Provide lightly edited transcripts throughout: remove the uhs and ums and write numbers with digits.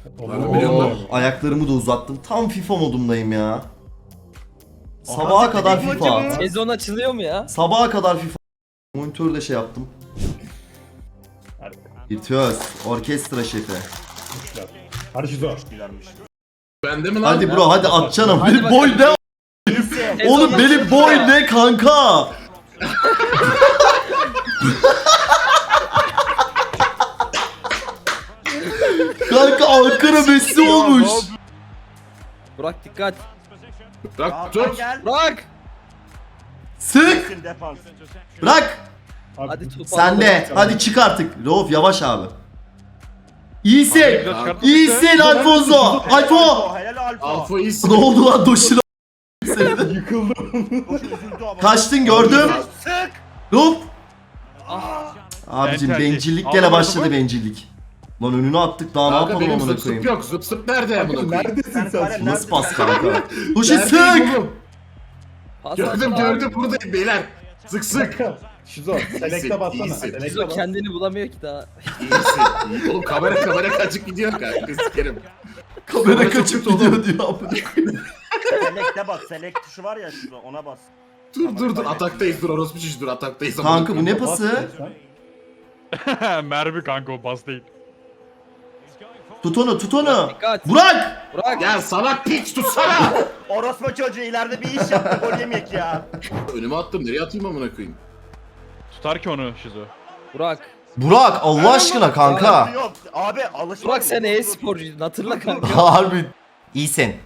Oo, ayaklarımı da uzattım. Tam FIFA modumdayım ya. Sabaha kadar tek FIFA. maçı mı? Sezon açılıyor mu ya? Sabaha kadar FIFA. Monitörde şey yaptım. Virtüöz, orkestra şefi. Hadi Şizo. Bende mi lan? Hadi bro hadi at canım. Hadi Benim bakalım. boy ne? Oğlum Sezon benim açılıyor boy ya. ne kanka? Kanka Ankara Messi olmuş. Burak dikkat. Bırak Hakan tut. gel. Burak. Sık. Kesin defans. Bırak. Hadi tut. Sende. Hadi çık artık. Rauf yavaş abi. İyisin. Kanka. İyisin Alfonso. Alfo. Helal Alfa. Alfa iyisin. Ne oldu lan Doşin? Yıkıldım. Üzüldü ama. Kaçtın gördüm. Sık. Rauf. Ah. Abicim Entelli. bencillik Aldın gene mı başladı topu? bencillik. Lan önünü attık daha ne Kanka yapalım benim amına zıp zıp koyayım. yok. Zıp zıp nerede amına koyayım? Neredesin Sen sen? kale- Nasıl pas kanka? Doşin Neredeyim sık. oğlum? Pas Gördüm at. gördüm buradayım beyler. Sık sık. Şizo. Selekte bassana. iyisin. Selekte Şizo bas. kendini bulamıyor ki daha. İyisin. Oğlum kamera kaçık gidiyor kanka. Sikerim. Kamera Çok kaçıp kötü gidiyor oğlum. diyor amına koyayım. Select'e bas. Select tuşu var ya şurada ona bas. Dur ataktayız dur orospu çocuğu dur ataktayız. amına Kanka bu koyayım. ne pası? Mermi kanka o bas değil. Tut onu tut onu. Dikkat. Burak. Burak. Ya salak piç tutsana. Orospu çocuğu ileride bir iş yaptı. Gol yemeyek ya. Önüme attım nereye atayım amına koyayım? Tutar ki onu Şizo. Burak. Burak Allah aşkına kanka. Yok abi alışma. Burak sen e-sporcuydun hatırla kanka. Harbi. İyisin.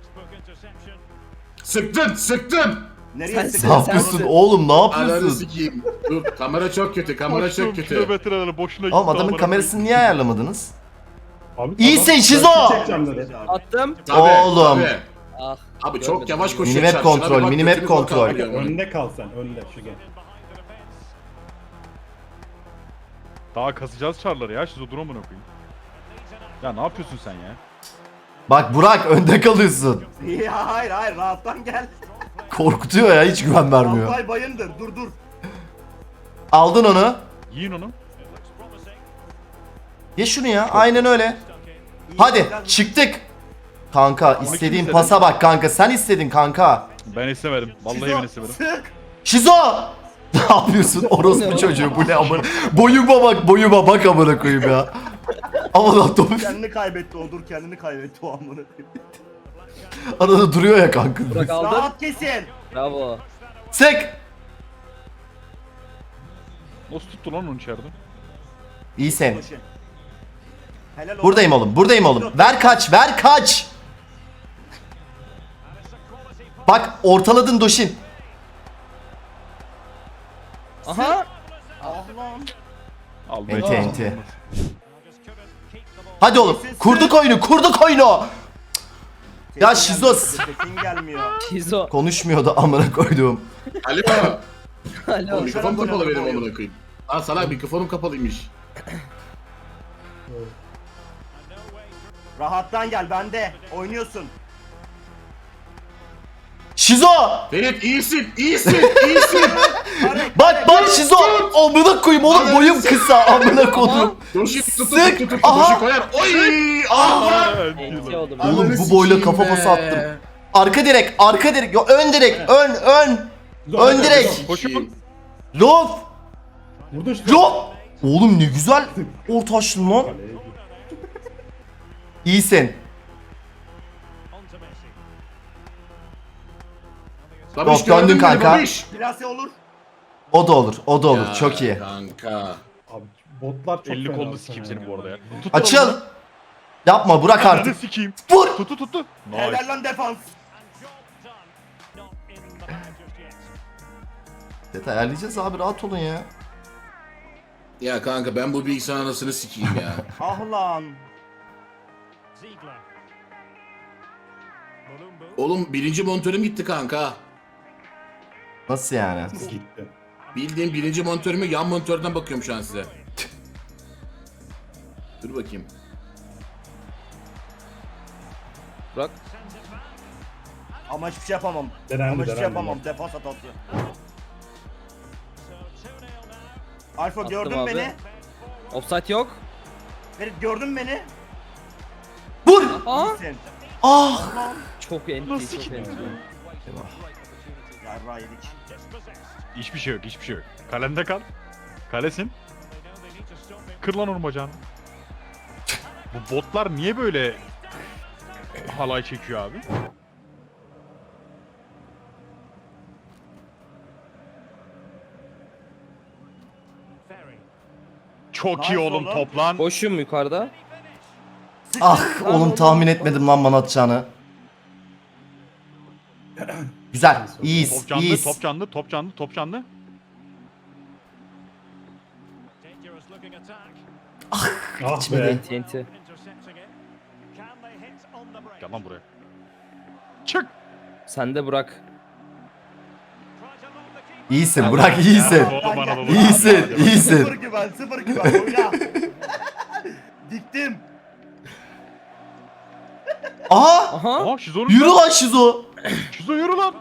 Sıktın. Nereye Sen- Ne sıkıyorsun? yapıyorsun oğlum ne Ananı yapıyorsun? sikeyim. Dur kamera çok kötü kamera Koştum çok kötü. kilometreleri boşuna gitti. Oğlum adamın amına kamerasını niye ayarlamadınız? Abi, İyisin adam- Şizo! Çekeceğim dedi. Attım. Tabii, Oğlum. tabii. Ah. Abi çok Görmedim. yavaş koşuyor. Minimap çarşına, kontrol, bir bak minimap götünü kontrol. korkar ya. Önde kal sen. Önde. Şizo. Daha kasacağız çarları ya Şizo dur amına koyayım. Ya ne yapıyorsun sen ya? Bak Burak önde kalıyorsun. Ya hayır rahattan gel. Korkutuyor ya hiç güven vermiyor. Alpay bayındır dur. Aldın onu. Yiyin onu. Ye şunu ya aynen öyle. Hadi çıktık. Kanka istediğin istedi? pasa bak kanka sen istedin kanka. Ben istemedim. Vallahi ben istemedim. Sık. Şizo! Ne yapıyorsun orospu çocuğu bu ne amına. Boyuma bak amına koyayım ya. Aman lan topu Kendini kaybetti o dur kendini kaybetti o amına koyayım. arada duruyor ya kanka. Burak aldın. Rahat kesin. Bravo. Sık! Nasıl tuttu lan onu içeride? İyisin. Koşun. Helal olsun. Buradayım oğlum. Ver kaç. Bak ortaladın Doşin. Aha. Ah lan. Al Enti, be. enti. Hadi oğlum kurduk oyunu. Ya Şizo Sesin gelmiyor. Şizo. konuşmuyordu amına koyduğum. Alo. Alo. Mikrofon kapalı benim amına koyayım. Lan salak mikrofonum kapalıymış. Rahattan gel bende. Oynuyorsun. Şizo! Ferit iyisin. Bak Şizo! Amına koyayım oğlum boyum kısa amına koyduğum. Doşi tut. Sık! Aha! Doşi koyar. Oy! Ah! Enti oldum. Oğlum Ananı bu boyla sikeyim kafa be. pası attım. Arka direk. Yo, ön direk. Ön. Ön direk. Koşun. Lof. Burada Şizo. Lof. Oğlum ne güzel orta açtın lan. İyisin. Babiş, Yok, döndün gördün mü kanka. babiş? Plase olur. O da olur. Ya, Çok iyi. Kanka. Abi botlar çok 50 fena kolunu sana sikeyim ya. seni bu arada ya. Tut Açıl. Yapma bırak Ananı artık. sikeyim. Vur. Tuttu. Nice. Helal lan defans. Detay ayarlayacağız abi rahat olun ya. Ya kanka ben bu bilgisayar anasını sikeyim ya. Ah lan. Oğlum birinci monitörüm gitti kanka. Nasıl yani? Gitti. Bildiğim birinci monitörümü yan monitörden bakıyorum şu an size. Dur bakayım. Burak. Ama hiçbir şey yapamam. Denendi, Ama hiçbir şey denendi. yapamam. Defans hatası. Alfa Attım gördün abi. beni. Offside yok. Ferit gördün beni. Aa! İyisin. Ah! Çok enti, çok enti. Yarra yedik. Hiçbir şey yok, hiçbir şey yok. Kalende kal. Kalesin. Kır lan onun bacağını. Bu botlar niye böyle halay çekiyor abi? Çok iyi Nice oğlum oğlum. top lan. Boşum yukarıda. Ah oğlum tahmin etmedim lan bana atacağını. Güzel. İyiyiz. Top canlı, İyiyiz. top canlı, top canlı, top canlı. Ah Geçmedi. be. Enti enti. Gel lan buraya. Çık. Sen de bırak. İyisin Burak iyisin. Oğlum bana baba. İyisin. İyisin. Sıfır güven, sıfır güven. Oyna. Diktim. Aha! Aha. Aa Şizo'nun Yürü lan Şizo. Şizo yürü lan.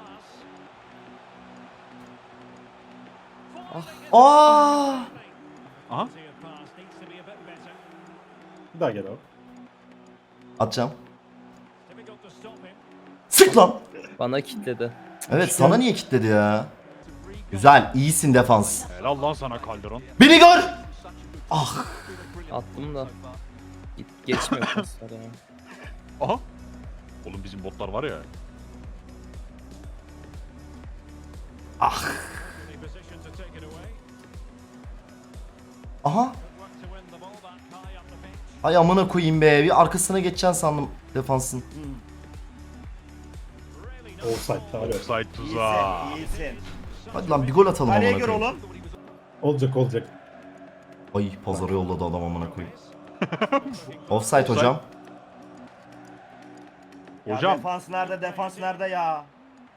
Aa! Aha. Bir daha gel abi. Atacağım. Sık lan. Bana kilitledi. Evet sana niye kilitledi ya? Güzel. İyisin defans. Helal lan sana Calderon. Beni gör. Ah. Attım da. Geçmiyor paslar ya. Aha. Oğlum bizim botlar var ya. Aha. Ay amına koyayım be. Bir arkasına geçeceksin sandım defansın. Offside abi. Offside tuzağı. İyisin, iyisin. Hadi lan bir gol atalım Kaleye amına gir koyayım. oğlum. Olacak. Ay pazara yolladı adam amına koyayım. Offside hocam. Ya Hocam. defans nerede, defans nerede ya?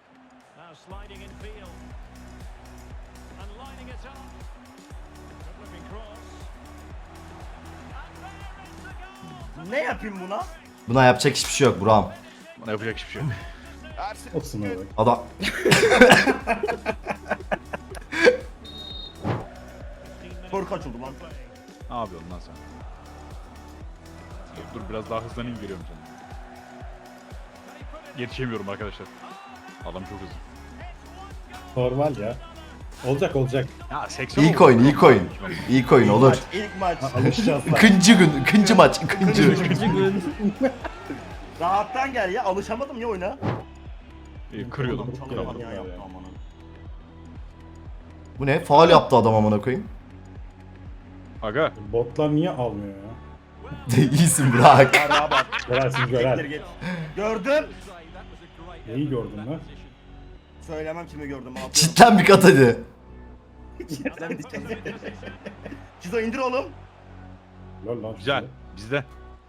Ne yapayım buna? Buna yapacak hiçbir şey yok Burak'ım. Bana yapacak hiçbir şey yok. Olsun abi. Adam Skor kaç oldu lan? Ne yapıyorsun lan sen? Dur biraz daha hızlanayım geliyorum sana. Yetişemiyorum arkadaşlar. Adam çok hızlı. Normal ya. Olacak. Ya 80 İlk oyun, ilk oyun. İlk oyun olur. İlk maç. Alışacağız lan. İkinci gün, ikinci maç, ikinci. Rahattan gel ya, alışamadım ya oyuna. Kırıyordum. Çok Kıramadım. ya yaptı amanın. Bu ne? Faul yaptı adam amına koyayım. Aga. Botlar niye almıyor ya? İyisin Burak. Araya bak. Görersin Siktir görer. git. Gördüm. Neyi gördün lan? Söylemem kimi gördüm. Atıyorum. Cidden bir kat hadi. Çizo indir oğlum. Lol lan. Güzel. Bizde.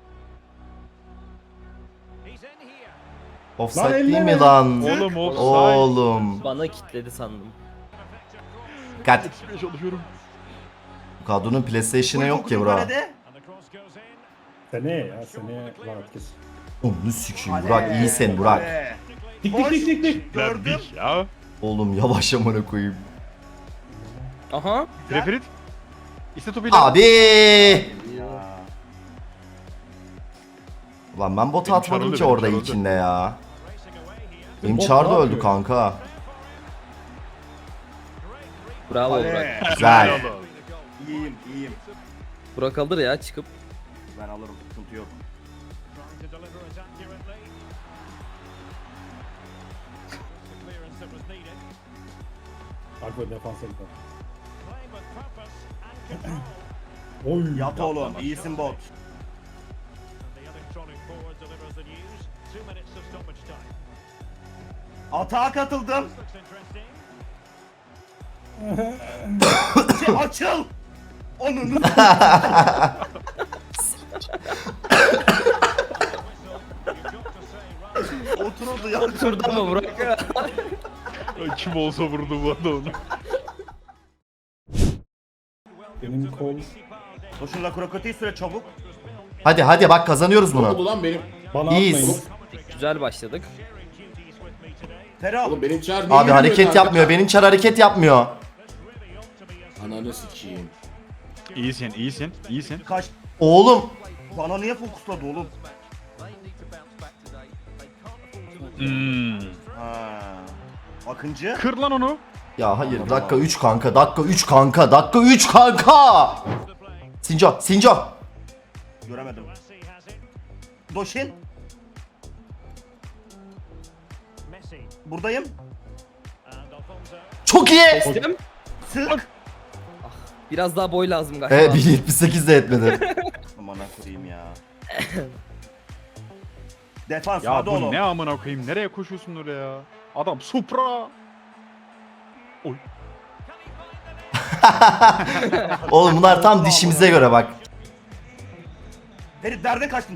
Offside Lan değil mi elleme. lan? Oğlum offside. Oğlum. Bana kilitledi sandım. Dikkat. Yetişmeye çalışıyorum. Bu kadronun PlayStation'ı Çok yok ki uzun Burak. kalede. Seneye ya seneye rahat kes. Onu sikeyim Kale. Burak. İyisin Burak. Kale. Dik Boş. dik dik dik dik. Gördüm. Verdik ya. Oğlum yavaş amına koyayım. Aha. Preferit. İste topuyla. Abi. Ya. Ulan ben bota Benim atmadım çar ki öldü, orada benim çar öldü. ilkinde ya. Benim Bot çar ne da öldü yapıyor? kanka. Bravo Burak. Kale. Güzel. İyiyim, iyiyim. Burak alır ya çıkıp. Ben alırım, sıkıntı yok. Arka defansa gider. Oy. Yat oğlum, iyisin bot. Atağa katıldım. Açıl. Onun. Oturuldu ya. Oturdu ama Burak. Kim olsa vurdu bu arada onu. Benim kol. Koşunla krokotiyi süre çabuk. Hadi hadi bak kazanıyoruz Ne oldu bunu. lan benim? Bana İyiyiz. atmayın. Güzel başladık. Ferah. Oğlum benim çağır niye Abi yürümüyor hareket kanka? yapmıyor. Benim çar hareket yapmıyor. Ananı sikeyim. İyisin, iyisin, iyisin. Kaç. Oğlum. Bana niye fokusladı oğlum? Ha. Akıncı. Kır lan onu. Ya hayır, dakika 3 kanka, dakika 3 kanka, dakika 3 kanka. Sinco. Göremedim. Doşin. Buradayım. Çok iyi. Kestim. Sık. Biraz daha boy lazım galiba. 1.78 de etmedi. Aman koyayım ya. Defans Ya hadi bu oğlum. ne amına koyayım? Nereye koşuyorsun oraya? Adam Supra. Oy. Oğlum bunlar tam dişimize göre bak. Ferit nereden kaçtın?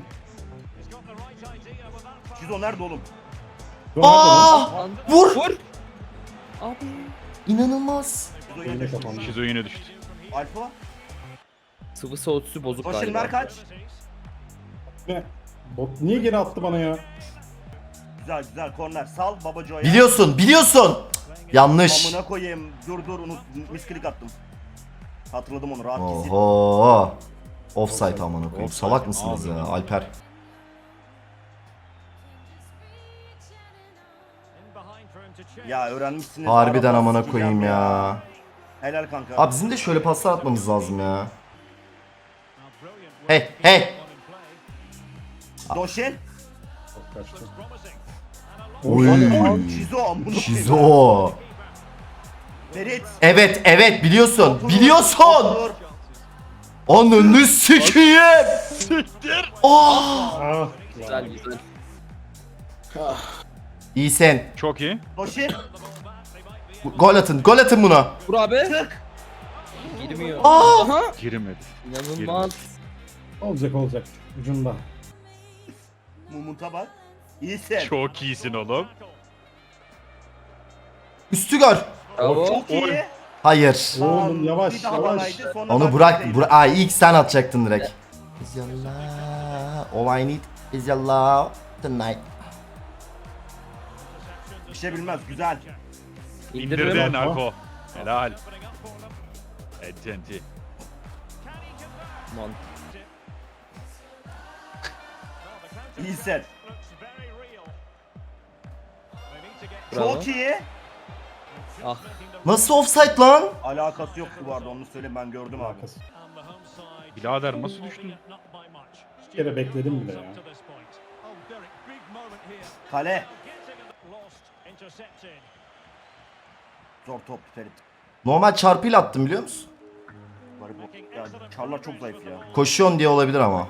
Şizo nerede oğlum? Aa! Vur! Vur. Abi. İnanılmaz. Şizo Yine yine düştü. kapandı. Şizo yine düştü. Alfa. Sıvı soğutucu bozuk Doşin galiba. ver kaç. Ne? Bot niye geri attı bana ya? Güzel korner. Sal Babaco'ya. Biliyorsun. Yanlış. Amına koyayım. Dur unut. Misklik attım. Hatırladım onu rahat kesin. Oho. Offside amına koyayım. Offside. Salak mısınız Abi. ya Alper? Ya öğrenmişsiniz. Harbiden Araba amına sikeceğim koyayım ya. Helal kanka. Abi bizim de şöyle paslar atmamız lazım ya. Hey. Doşin. Çok kaçtı. Oy. Şizo amına koyayım. Şizo. Ferit. Evet biliyorsun. Otur. Ananı sikeyim. Siktir. Oh. Ah. Güzel güzel. İyisin. Çok iyi. Doşin. Gol atın buna. Vur abi. Sık. Girmiyor. Aa! Aha. Girmedi. İnanılmaz. Olacak. Ucunda. Mumut'a bak. İyisin. Çok iyisin oğlum. Üstü gör. Bravo. Çok iyi. Oy. Hayır. Oğlum yavaş Bir daha yavaş. banaydı, sonra Onu ben bırak. bitireyim. İlk sen atacaktın direkt. Is your love, all I need is your love tonight. Bir şey bilmez. Güzel. İndirdin İndiririm. Ako. Helal. Ententi. Aman. İyisin. Bravo. Çok iyi. Ah. Nasıl offside lan? Alakası yoktu bu arada onu söyleyeyim ben gördüm abi. Alakası. Birader nasıl düştün? Bir kere bekledim bile ya. Kale. Zor top Ferit. Normal çarpıyla attım biliyor musun? Garip o. Ya Çarlar çok zayıf ya. Koşuyorsun diye olabilir ama.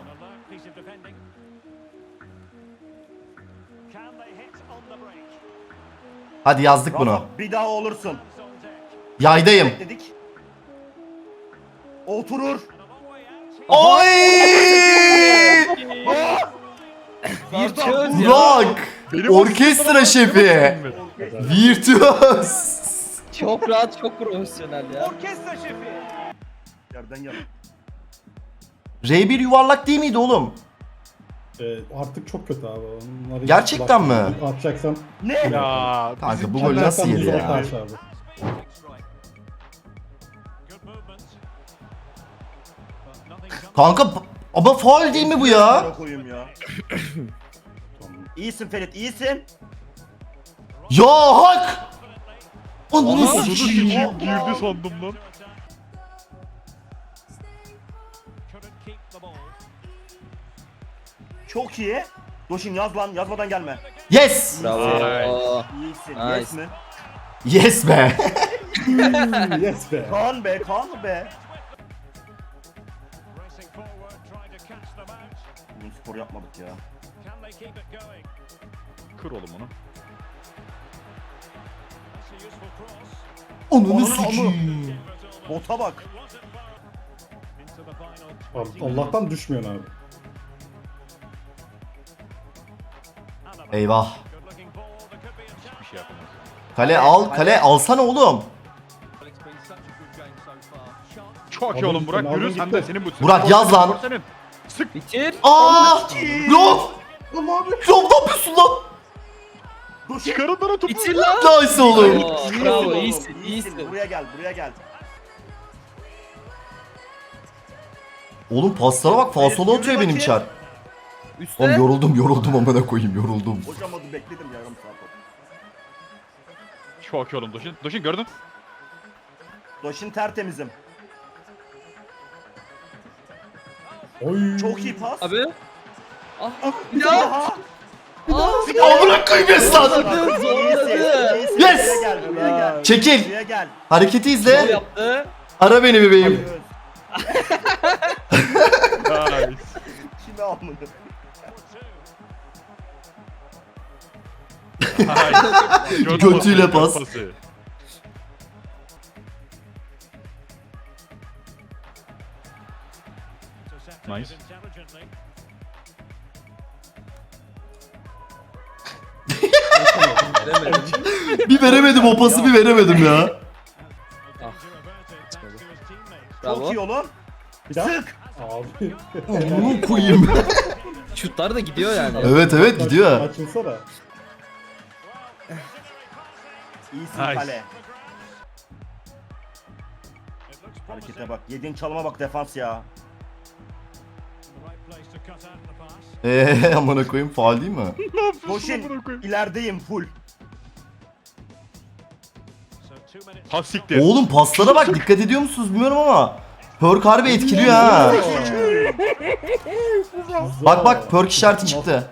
Hadi yazdık bunu. Rafa, bir daha olursun. Yaydayım. Dedik. Oturur. Oy! Virtüöz ya. Burak! Benim Orkestra şefi. Virtüöz. Çok rahat, çok profesyonel ya. Orkestra şefi. Yerden yana. R1 yuvarlak değil miydi oğlum? Artık çok kötü abi. Onları Gerçekten mi? Atacaksan. Ne? Ya. Kanka bu golü nasıl yedi ya? Abi. Kanka ama faul değil mi bu ya? Bana koyayım ya. İyisin Ferit, iyisin. Ya hak! Ananı Aha, sikeyim. girdi sandım lan. Çok iyi. Doşin yaz lan, yazmadan gelme. Yes! Bravo. İyisin, Nice. yes mi? Yes be! Yes be. Kaan be, Kaan be. Bugün spor yapmadık ya. Kır oğlum onu. Ananı sikeyim. Bota bak. Abi, Allah'tan düşmüyorsun abi. Eyvah. Hiçbir şey yapamaz. Kale alsana oğlum. Çok iyi Aldın oğlum Burak. gittin, Yürü aldın sen de gittin. senin bu. Burak, yaz lan. Spor senin. Sık. Bitir. Aa! Yok! Yok ne yapıyorsun lan? Doşin. Çıkarın lan o topu. Bitir lan. Nice oğlum. Oo, İyisin bravo, oğlum, iyisin, iyisin. Buraya gel, buraya gel. Oğlum paslara bak, falsolu atıyor benim çar. Üste. Oğlum yoruldum amına koyayım yoruldum. Hocam adı bekledim yarım saat oldu. Çok iyi oğlum Doşin. Doşin gördün. Doşin tertemizim. Oy. Çok iyi pas. Abi. Ah. Bir daha. Amına koyayım yes lan. Zorladı. Zorladı. İyisin. Yes! Buraya gel, buraya gel. Çekil. Buraya gel. Hareketi Ne izle. yaptı? Ara beni bebeğim. Nice. Kime almadı? Nice. Götüyle pas. Pası. Nice. Bir veremedim o pası bir veremedim ya. Bravo. Çok iyi oğlum. Bir daha. Sık. Abi. Amına koyayım. Şutlar da gidiyor yani. Evet gidiyor. Açılsana. İyisin Nice. kale. Harekete bak. Yediğin çalıma bak defans ya. Amına koyayım faul değil mi? Doşin ilerideyim full. Ha siktir. Oğlum paslara bak dikkat ediyor musunuz bilmiyorum ama Perk harbi etkiliyor ha. Bak perk işareti çıktı.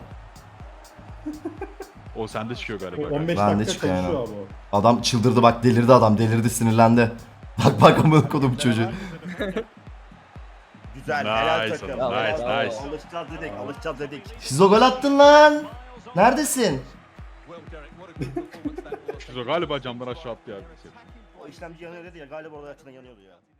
O sende çıkıyor galiba. 15 Ben de dakika çıkıyor yani. çalışıyor abi o. Adam çıldırdı bak delirdi adam delirdi sinirlendi. Bak amına kodum çocuğu. Güzel. Nice Helal oğlum, takım. nice, Helal. nice. Alışacağız dedik. Alışacağız dedik. Şizo gol attın lan. Neredesin? Şizo galiba camdan aşağı attı ya. O işlemci yanıyor dedi ya. Galiba orada açıdan yanıyordu ya.